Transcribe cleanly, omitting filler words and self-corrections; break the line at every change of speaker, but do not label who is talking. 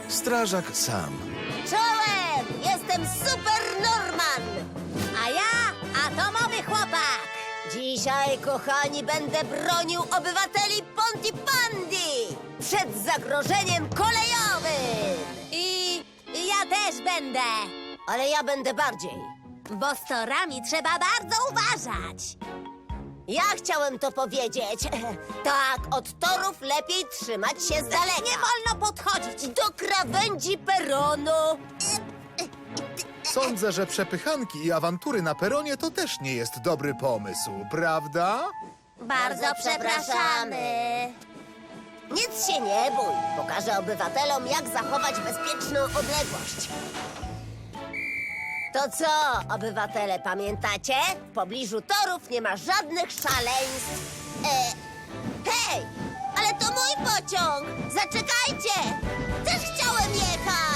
Strażak sam.
Czołem! Jestem Super Norman! A ja atomowy chłopak! Dzisiaj, kochani, będę bronił obywateli Pontypandy przed zagrożeniem kolejowym! I ja też będę! Ale ja będę bardziej. Bo z torami trzeba bardzo uważać. Ja chciałem to powiedzieć. Tak, od torów lepiej trzymać się z daleka. Nie wolno podchodzić do krawędzi peronu.
Sądzę, że przepychanki i awantury na peronie to też nie jest dobry pomysł, prawda?
Bardzo przepraszamy. Nic się nie bój. Pokażę obywatelom, jak zachować bezpieczną odległość. To co, obywatele, pamiętacie? W pobliżu torów nie ma żadnych szaleństw. Hej, ale to mój pociąg! Zaczekajcie! Też chciałem jechać!